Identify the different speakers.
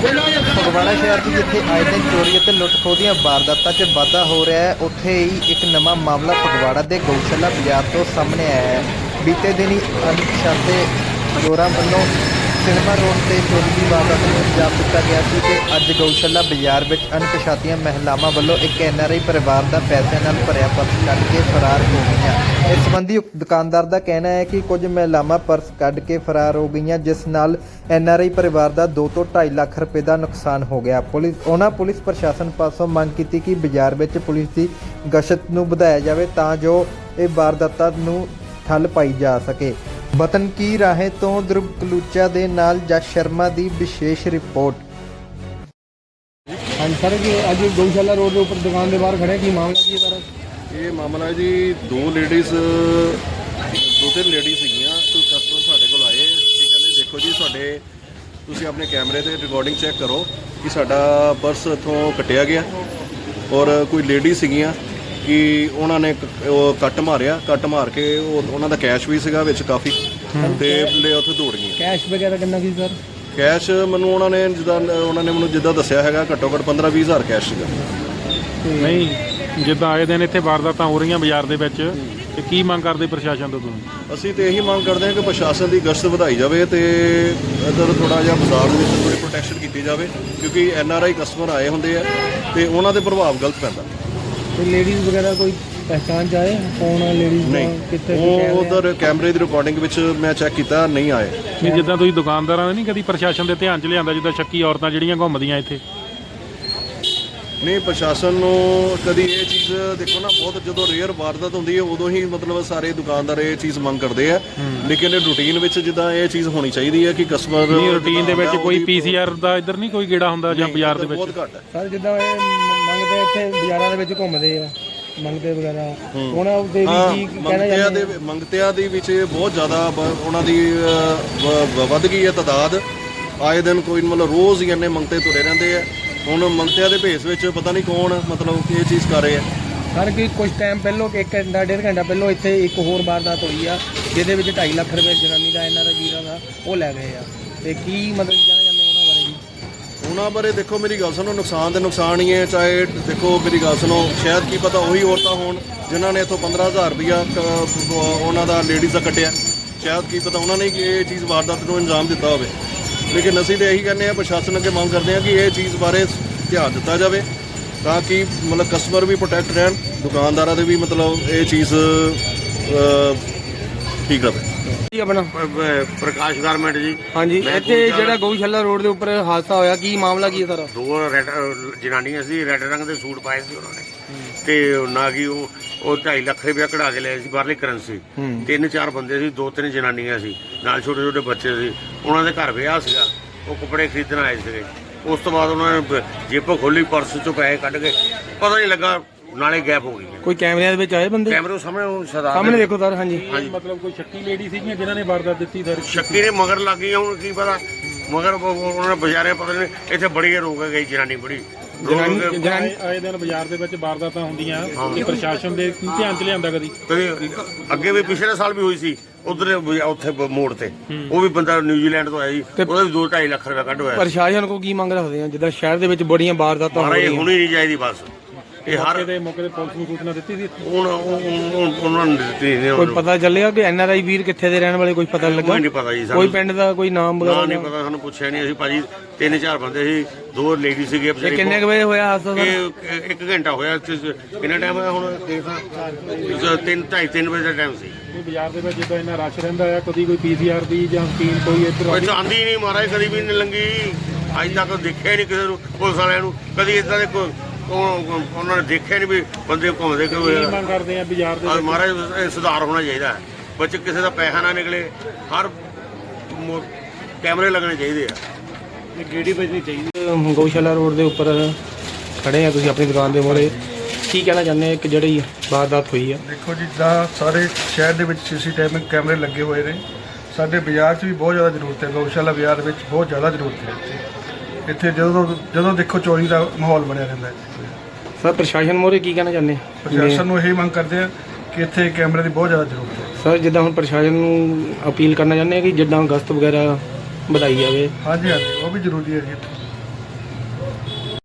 Speaker 1: ਫਗਵਾੜਾ ਸ਼ਹਿਰ 'ਚ ਜਿੱਥੇ ਆਏ ਦਿਨ ਚੋਰੀ ਅਤੇ ਲੁੱਟ ਖੋਹ ਦੀਆਂ ਵਾਰਦਾਤਾਂ 'ਚ ਵਾਧਾ ਹੋ ਰਿਹਾ ਹੈ, ਉੱਥੇ ਹੀ ਇੱਕ ਨਵਾਂ ਮਾਮਲਾ ਫਗਵਾੜਾ ਦੇ ਗਊਸ਼ਾਲਾ ਬਾਜ਼ਾਰ ਤੋਂ ਸਾਹਮਣੇ ਆਇਆ ਹੈ। ਬੀਤੇ ਦਿਨੀ ਅਣਪਛਾਤੇ ਚੋਰਾਂ ਵੱਲੋਂ ਸਿਨੇਮਾ ਰੋਡ ਤੇ ਚੋਰੀ ਦੀ ਵਾਰਦਾਤ ਨੂੰ ਅੰਜਾਮ ਦਿੱਤਾ ਗਿਆ ਸੀ ਤੇ ਅੱਜ ਗਊਸ਼ਾਲਾ ਬਾਜ਼ਾਰ ਵਿੱਚ ਅਣਪਛਾਤੀਆਂ ਮਹਿਲਾਵਾਂ ਵੱਲੋਂ ਇੱਕ NRI ਪਰਿਵਾਰ ਦਾ ਪੈਸਿਆਂ ਨਾਲ ਭਰਿਆ ਪਰਸ ਕੱਢ ਕੇ ਫਰਾਰ ਹੋ ਗਈਆਂ। ਇਸ ਸੰਬੰਧੀ ਦੁਕਾਨਦਾਰ ਦਾ ਕਹਿਣਾ ਹੈ ਕਿ ਕੁਝ ਮਹਿਲਾਵਾਂ ਪਰਸ ਕੱਢ ਕੇ ਫਰਾਰ ਹੋ ਗਈਆਂ, ਜਿਸ ਨਾਲ NRI ਪਰਿਵਾਰ ਦਾ 2 ਤੋਂ 2.5 ਲੱਖ ਰੁਪਏ ਦਾ ਨੁਕਸਾਨ ਹੋ ਗਿਆ। ਪੁਲਿਸ ਪ੍ਰਸ਼ਾਸਨ ਪਾਸੋਂ ਮੰਗ ਕੀਤੀ ਕਿ ਬਾਜ਼ਾਰ ਵਿੱਚ ਪੁਲਿਸ ਦੀ ਗਸ਼ਤ ਨੂੰ ਵਧਾਇਆ ਜਾਵੇ ਤਾਂ ਜੋ ਇਹ ਵਾਰਦਾਤਾਂ ਨੂੰ ਠੱਲ ਪਾਈ ਜਾ ਸਕੇ। ਵਤਨ ਕੀ ਰਾਹੇ ਤੋਂ ਧਰੁਵ ਕਲੂਚਾ ਦੇ ਨਾਲ ਜਸ ਸ਼ਰਮਾ ਦੀ ਵਿਸ਼ੇਸ਼ ਰਿਪੋर्ट।
Speaker 2: हाँ सर जी, अज गौशाला रोड के ऊपर दुकान के बाहर खड़े की मामला की सर?
Speaker 3: ਇਹ ਮਾਮਲਾ ਹੈ ਜੀ ਦੋ ਤਿੰਨ ਲੇਡੀਜ਼ ਸੀਗੀਆਂ। ਕੋਈ ਕਸਟਮਰ ਸਾਡੇ ਕੋਲ ਆਏ ਕਿ ਕਹਿੰਦੇ ਦੇਖੋ ਜੀ ਸਾਡੇ ਤੁਸੀਂ ਆਪਣੇ ਕੈਮਰੇ ਤੇ ਰਿਕਾਰਡਿੰਗ ਚੈੱਕ ਕਰੋ ਕਿ ਸਾਡਾ ਪਰਸ ਇੱਥੋਂ ਕੱਟਿਆ ਗਿਆ ਔਰ ਕੋਈ ਲੇਡੀਜ਼ ਸੀਗੀਆਂ ਕਿ ਉਹਨਾਂ ਨੇ ਕੱਟ ਮਾਰ ਕੇ ਉਹਨਾਂ ਦਾ ਕੈਸ਼ ਵੀ ਸੀਗਾ ਵਿੱਚ ਕਾਫੀ ਤੇ ਉੱਥੇ ਦੌੜ ਗਈਆਂ।
Speaker 2: कैश वगैरह कितना की सर?
Speaker 3: ਕੈਸ਼ ਮੈਨੂੰ ਉਹਨਾਂ ਨੇ ਮੈਨੂੰ ਜਿੱਦਾਂ ਦੱਸਿਆ ਹੈਗਾ ਘੱਟੋ ਘੱਟ 15-20 ਹਜ਼ਾਰ ਕੈਸ਼ ਸੀਗਾ।
Speaker 4: ਨਹੀਂ, ਜਿੱਦਾਂ ਆਏ ਦਿਨ ਇੱਥੇ ਵਾਰਦਾਤਾਂ ਹੋ ਰਹੀਆਂ ਬਾਜ਼ਾਰ ਦੇ ਵਿੱਚ, ਤੇ ਕੀ ਮੰਗ ਕਰਦੇ ਪ੍ਰਸ਼ਾਸਨ ਤੋਂ ਤੁਸੀਂ?
Speaker 3: ਅਸੀਂ ਤੇ ਇਹੀ ਮੰਗ ਕਰਦੇ ਹਾਂ ਕਿ ਪ੍ਰਸ਼ਾਸਨ ਦੀ ਗਸ਼ਤ ਵਧਾਈ ਜਾਵੇ ਤੇ ਇੱਧਰ ਥੋੜਾ ਜਿਹਾ ਬਾਜ਼ਾਰ ਦੇ ਵਿੱਚ ਥੋੜੀ ਪ੍ਰੋਟੈਕਸ਼ਨ ਕੀਤੀ ਜਾਵੇ, ਕਿਉਂਕਿ NRI ਕਸਟਮਰ ਆਏ ਹੁੰਦੇ ਆ ਤੇ ਉਹਨਾਂ ਦੇ ਪ੍ਰਭਾਵ ਗਲਤ ਪੈਂਦਾ।
Speaker 2: तो लेडीज वगैरह कोई पहचान चाहे कौन है लेडीज?
Speaker 3: ਨਹੀਂ,
Speaker 2: कितने
Speaker 3: ਉਹ ਉਧਰ ਕੈਮਰੇ ਦੀ ਰਿਕਾਰਡਿੰਗ ਵਿੱਚ ਮੈਂ ਚੈੱਕ ਕੀਤਾ, ਨਹੀਂ ਆਏ।
Speaker 4: ਨਹੀਂ, ਜਿੱਦਾਂ ਤੁਸੀਂ ਦੁਕਾਨਦਾਰਾਂ ਨੇ ਨਹੀਂ ਕਦੀ ਪ੍ਰਸ਼ਾਸਨ ਦੇ ਧਿਆਨ 'ਚ ਲਿਆਂਦਾ, ਜਿੱਦਾਂ ਸ਼ੱਕੀ ਔਰਤਾਂ ਜਿਹੜੀਆਂ ਘੁੰਮਦੀਆਂ ਇੱਥੇ?
Speaker 3: ਨਹੀਂ, ਪ੍ਰਸ਼ਾਸਨ ਨੂੰ ਕਦੀ ਇਹ ਚੀਜ਼ ਦੇਖੋ ਨਾ, ਬਹੁਤ ਜਦੋਂ ਰੇਅਰ ਵਾਰਦਾਤ ਹੁੰਦੀ ਹੈ ਉਦੋਂ ਹੀ ਮਤਲਬ ਸਾਰੇ ਦੁਕਾਨਦਾਰ ਇਹ ਚੀਜ਼ ਮੰਗ ਕਰਦੇ ਆ, ਲੇਕਿਨ ਇਹ ਰੂਟੀਨ ਵਿੱਚ ਜਿੱਦਾਂ ਇਹ ਚੀਜ਼ ਹੋਣੀ ਚਾਹੀਦੀ ਹੈ ਕਿ ਕਸਟਮਰ
Speaker 4: ਨਹੀਂ, ਰੂਟੀਨ ਦੇ ਵਿੱਚ ਕੋਈ PCR ਦਾ ਇੱਧਰ ਨਹੀਂ ਕੋਈ ਗੇੜਾ ਹੁੰਦਾ ਜਾਂ ਬਾਜ਼ਾਰ ਦੇ ਵਿੱਚ?
Speaker 3: ਬਹੁਤ ਘੱਟ ਹੈ
Speaker 2: सर जिदा मंगते इतने बाजारों के घूमते मंगते वगैरह ਉਹਨਾਂ ਦੇ ਵੀ ਕੀ ਕਹਿਣਾ ਚਾਹੁੰਦੇ?
Speaker 3: ਮੰਗਤਿਆਂ ਦੇ ਵਿੱਚ ਬਹੁਤ ਜ਼ਿਆਦਾ ਉਹਨਾਂ ਦੀ ਵੱਧ ਗਈ ਹੈ ਤਾਦਾਦ। ਆਏ ਦਿਨ ਕੋਈ ਮਤਲਬ ਰੋਜ਼ ਹੀ ਇੰਨੇ ਮੰਗਤੇ ਤੁਰੇ ਰਹਿੰਦੇ ਆ। ਹੁਣ ਮੰਗਤਿਆਂ ਦੇ ਭੇਸ ਵਿੱਚ ਪਤਾ ਨਹੀਂ ਕੌਣ ਮਤਲਬ ਇਹ ਚੀਜ਼ ਕਰ ਰਹੇ ਆ।
Speaker 2: ਸਰ ਕਿ ਕੁਝ ਟਾਈਮ ਪਹਿਲਾਂ 1 ਘੰਟਾ 1.5 ਘੰਟਾ ਪਹਿਲਾਂ ਇੱਥੇ ਇੱਕ ਹੋਰ ਵਾਰਦਾਤ ਹੋਈ ਆ ਜਿਹਦੇ ਵਿੱਚ 2.5 ਲੱਖ ਰੁਪਏ ਜਨਾਨੀ ਦਾ NRI ਵੀਰਾਂ ਦਾ ਉਹ ਲੈ ਗਏ ਆ, ਤੇ ਕੀ ਮਤਲਬ ਕਹਿਣਾ ਚਾਹੁੰਦੇ ਉਹਨਾਂ ਬਾਰੇ ਜੀ? ਉਹਨਾਂ
Speaker 3: ਬਾਰੇ ਦੇਖੋ, ਮੇਰੀ ਗੱਲ ਸੁਣੋ, ਨੁਕਸਾਨ ਤੇ ਨੁਕਸਾਨ ਹੀ ਹੈ। ਚਾਹੇ ਦੇਖੋ ਮੇਰੀ ਗੱਲ ਸੁਣੋ, ਸ਼ਾਇਦ ਕੀ ਪਤਾ ਉਹੀ ਔਰਤਾਂ ਹੋਣ ਜਿਨ੍ਹਾਂ ਨੇ ਇੱਥੋਂ 15,000 ਰੁਪਇਆ ਉਹਨਾਂ ਦਾ ਲੇਡੀਜ਼ ਦਾ ਕੱਟਿਆ। ਸ਼ਾਇਦ ਕੀ ਪਤਾ ਉਹਨਾਂ ਨੇ ਇਹ ਚੀਜ਼ ਵਾਰਦਾਤ ਨੂੰ ਅੰਜਾਮ ਦਿੱਤਾ ਹੋਵੇ। ਲੇਕਿਨ ਅਸੀਂ ਤਾਂ ਇਹੀ ਕਹਿੰਦੇ ਹਾਂ, ਪ੍ਰਸ਼ਾਸਨ ਅੱਗੇ ਮੰਗ ਕਰਦੇ ਹਾਂ ਕਿ ਇਹ ਚੀਜ਼ ਬਾਰੇ ਧਿਆਨ ਦਿੱਤਾ ਜਾਵੇ ਤਾਂ ਕਿ ਮਤਲਬ ਕਸਟਮਰ ਵੀ ਪ੍ਰੋਟੈਕਟ ਰਹਿਣ, ਦੁਕਾਨਦਾਰਾਂ ਦੇ ਵੀ ਮਤਲਬ ਇਹ ਚੀਜ਼ ਠੀਕ ਰਹੇ।
Speaker 2: ਜੀ ਆਪਣਾ
Speaker 5: ਪ੍ਰਕਾਸ਼ ਗਾਰਮੈਂਟ ਜੀ।
Speaker 2: ਹਾਂਜੀ, ਇੱਥੇ ਜਿਹੜਾ ਗਊਸ਼ਾਲਾ ਰੋਡ ਦੇ ਉੱਪਰ ਹਾਦਸਾ ਹੋਇਆ, ਕੀ ਮਾਮਲਾ ਕੀ ਹੈ ਸਰ?
Speaker 5: ਦੋ ਰੈੱਡ ਜਨਾਨੀਆਂ ਸੀ, ਰੈੱਡ ਰੰਗ ਦੇ ਸੂਟ ਪਾਏ ਸੀ ਉਹਨਾਂ ਨੇ, ਤੇ ਨਾ ਕਿ ਉਹ 2.5 ਲੱਖ ਰੁਪਇਆ ਕਢਾ ਕੇ ਲਏ ਸੀ ਬਾਹਰਲੀ ਕਰੰਸੀ। 3-4 ਬੰਦੇ ਸੀ, 2-3 ਜਨਾਨੀਆਂ ਸੀ, ਨਾਲ ਛੋਟੇ ਬੱਚੇ ਸੀ। ਉਹਨਾਂ ਦੇ ਘਰ ਵਿਆਹ ਸੀਗਾ, ਉਹ ਕੱਪੜੇ ਖਰੀਦਣ ਆਏ ਸੀਗੇ। ਉਸ ਤੋਂ ਬਾਅਦ ਉਹਨਾਂ ਨੇ ਜੇਬ ਖੋਲੀ, ਪਰਸ ਚੋਂ ਪੈਸੇ ਕੱਢ ਕੇ ਪਤਾ ਨਹੀਂ ਲੱਗਾ, ਨਾਲੇ ਗੈਪ ਹੋ ਗਈ।
Speaker 2: ਕੋਈ ਕੈਮਰਿਆਂ ਦੇ ਵਿੱਚ ਆਏ ਬੰਦੇ?
Speaker 5: ਕੈਮਰੇ ਸਾਹਮਣੇ ਉਹ
Speaker 2: ਸਾਹਮਣੇ ਦੇਖੋ ਸਰ। ਹਾਂਜੀ,
Speaker 4: ਮਤਲਬ ਕੋਈ ਸ਼ੱਕੀ ਲੇਡੀ ਸੀਗੀਆਂ ਜਿਨ੍ਹਾਂ ਨੇ ਵਾਰਦਾਤ ਦਿੱਤੀ ਸਰ?
Speaker 5: ਸ਼ੱਕੀ ਨੇ ਮਗਰ ਲੱਗ ਗਈ, ਹੁਣ ਕੀ ਪਤਾ ਮਗਰ ਉਹਨਾਂ ਨੇ ਬਜ਼ਾਰੇ ਪਤਾ ਨਹੀਂ ਇੱਥੇ ਬੜੀ ਰੋਕ ਗਈ ਜਨਾਨੀ ਬੜੀ।
Speaker 4: ਆਏ ਦਿਨ ਬਾਜ਼ਾਰ ਦੇ ਵਿੱਚ ਵਾਰਦਾਤਾਂ ਹੁੰਦੀਆਂ, ਇਹ ਪ੍ਰਸ਼ਾਸਨ ਦੇ ਧਿਆਨ 'ਚ ਲਿਆਂਦਾ ਕਦੀ?
Speaker 5: ਅੱਗੇ ਵੀ ਪਿਛਲੇ ਸਾਲ ਵੀ ਹੋਈ ਸੀ ਉਧਰ ਉੱਥੇ ਮੋੜ ਤੇ, ਉਹ ਵੀ ਬੰਦਾ ਨਿਊਜ਼ੀਲੈਂਡ ਤੋਂ ਆਇਆ ਜੀ, ਉਹਦਾ ਵੀ 2-2.5 ਲੱਖ ਰੁਪਇਆ ਕੱਢ ਹੋਇਆ।
Speaker 2: ਪ੍ਰਸ਼ਾਸਨ ਕੋ ਕੀ ਮੰਗ ਰੱਖਦੇ ਆ ਜਿੱਦਾਂ ਸ਼ਹਿਰ ਦੇ ਵਿੱਚ ਬੜੀਆਂ ਵਾਰਦਾਤਾਂ ਹੋ ਰਹੀਆਂ?
Speaker 5: ਹੋਣੀ ਨਹੀਂ ਚਾਹੀਦੀ ਬਸ। ਇਹ ਹਰ
Speaker 4: ਮੌਕੇ ਤੇ ਪੁਲਿਸ ਨੂੰ ਸੂਚਨਾ ਦਿੱਤੀ ਸੀ?
Speaker 5: ਉਹਨਾਂ ਨੇ ਦਿੱਤੀ ਨਹੀਂ।
Speaker 2: ਕੋਈ ਪਤਾ ਚੱਲਿਆ ਕਿ NRI ਵੀਰ ਕਿੱਥੇ ਦੇ ਰਹਿਣ ਵਾਲੇ? ਕੋਈ ਪਤਾ ਲੱਗਾ?
Speaker 5: ਨਹੀਂ ਪਤਾ ਜੀ,
Speaker 2: ਕੋਈ ਪਿੰਡ ਦਾ ਕੋਈ ਨਾਮ ਵਗੈਰਾ
Speaker 5: ਨਹੀਂ ਪਤਾ, ਸਾਨੂੰ ਪੁੱਛਿਆ ਨਹੀਂ। ਅਸੀਂ ਭਾਜੀ 3-4 ਬੰਦੇ ਸੀ, 2 ਲੇਡੀ ਸੀਗੇ।
Speaker 2: ਕਿੰਨੇ ਕੁ ਵਜੇ ਹੋਇਆ ਹਾਦਸਾ ਸਰ?
Speaker 5: ਇਹ 1 ਘੰਟਾ ਹੋਇਆ। ਕਿੰਨਾ ਟਾਈਮ ਹੋਇਆ ਹੁਣ? 3-2:30 ਵਜੇ ਦਾ ਟਾਈਮ ਸੀ।
Speaker 4: ਬਾਜ਼ਾਰ ਦੇ ਵਿੱਚ ਜਿੱਦਾਂ ਇੰਨਾ ਰਸ਼ ਰਹਿੰਦਾ ਆ, ਕਦੀ ਕੋਈ PCR ਦੀ ਜਾਂ ਸਕੀਮ ਕੋਈ ਇੱਧਰ
Speaker 5: ਆਂਦੀ ਨਹੀਂ ਮਹਾਰਾਜ, ਕਦੀ ਵੀ ਨਹੀਂ ਲੰਗੀ। ਅੱਜ ਤੱਕ ਦੇਖਿਆ ਹੀ ਨਹੀਂ ਕਿਸੇ ਨੂੰ, ਪੁਲਿਸ ਵਾਲਿਆਂ ਨੂੰ ਕਦੀ ਇਦਾਂ ਦੇ ਉਹਨਾਂ ਨੇ ਦੇਖਿਆ ਨਹੀਂ ਵੀ ਬੰਦੇ ਘੁੰਮਦੇ ਕਿਉਂ।
Speaker 4: ਮੰਗ ਕਰਦੇ ਆ ਬਾਜ਼ਾਰ ਦੇ
Speaker 5: ਮਹਾਰਾਜ ਇਹ ਸੁਧਾਰ ਹੋਣਾ ਚਾਹੀਦਾ ਹੈ, ਬੱਚੇ ਕਿਸੇ ਦਾ ਪੈਸਾ ਨਾ ਨਿਕਲੇ, ਹਰ ਕੈਮਰੇ ਲੱਗਣੇ ਚਾਹੀਦੇ ਆ, ਗੇੜੀ ਵੱਜਣੀ ਚਾਹੀਦੀ।
Speaker 2: ਗਊਸ਼ਾਲਾ ਰੋਡ ਦੇ ਉੱਪਰ ਖੜੇ ਆ ਤੁਸੀਂ ਆਪਣੀ ਦੁਕਾਨ ਦੇ ਮੂਹਰੇ, ਕੀ ਕਹਿਣਾ ਚਾਹੁੰਦੇ ਆ ਕਿ ਜਿਹੜੀ ਵਾਰਦਾਤ ਹੋਈ ਆ?
Speaker 6: ਦੇਖੋ ਜੀ, ਜਿੱਦਾਂ ਸਾਰੇ ਸ਼ਹਿਰ ਦੇ ਵਿੱਚ CCTV ਕੈਮਰੇ ਲੱਗੇ ਹੋਏ ਨੇ, ਸਾਡੇ ਬਾਜ਼ਾਰ 'ਚ ਵੀ ਬਹੁਤ ਜ਼ਿਆਦਾ ਜ਼ਰੂਰਤ ਹੈ। ਗਊਸ਼ਾਲਾ ਬਾਜ਼ਾਰ ਵਿੱਚ ਬਹੁਤ ਜ਼ਿਆਦਾ ਜ਼ਰੂਰਤ ਹੈ। ਇੱਥੇ ਜਦੋਂ ਦੇਖੋ ਚੋਰੀ ਦਾ ਮਾਹੌਲ ਬਣਿਆ ਰਹਿੰਦਾ ਹੈ।
Speaker 2: ਸਰ ਪ੍ਰਸ਼ਾਸਨ ਮੋਰੇ ਕੀ ਕਹਿਣਾ ਚਾਹੁੰਦੇ?
Speaker 6: ਪ੍ਰਸ਼ਾਸਨ ਨੂੰ ਇਹੀ ਮੰਗ ਕਰਦੇ ਆ ਕਿ ਇੱਥੇ ਕੈਮਰੇ ਦੀ ਬਹੁਤ ਜ਼ਿਆਦਾ ਜ਼ਰੂਰਤ ਹੈ।
Speaker 2: ਸਰ ਜਿੱਦਾਂ ਹੁਣ ਪ੍ਰਸ਼ਾਸਨ ਨੂੰ ਅਪੀਲ ਕਰਨਾ ਚਾਹੁੰਦੇ ਆ ਕਿ ਜਿੱਦਾਂ ਗਸ਼ਤ ਵਗੈਰਾ ਵਧਾਈ ਜਾਵੇ?
Speaker 6: ਹਾਂਜੀ, ਉਹ ਵੀ ਜ਼ਰੂਰੀ ਹੈ ਜੀ ਇੱਥੇ।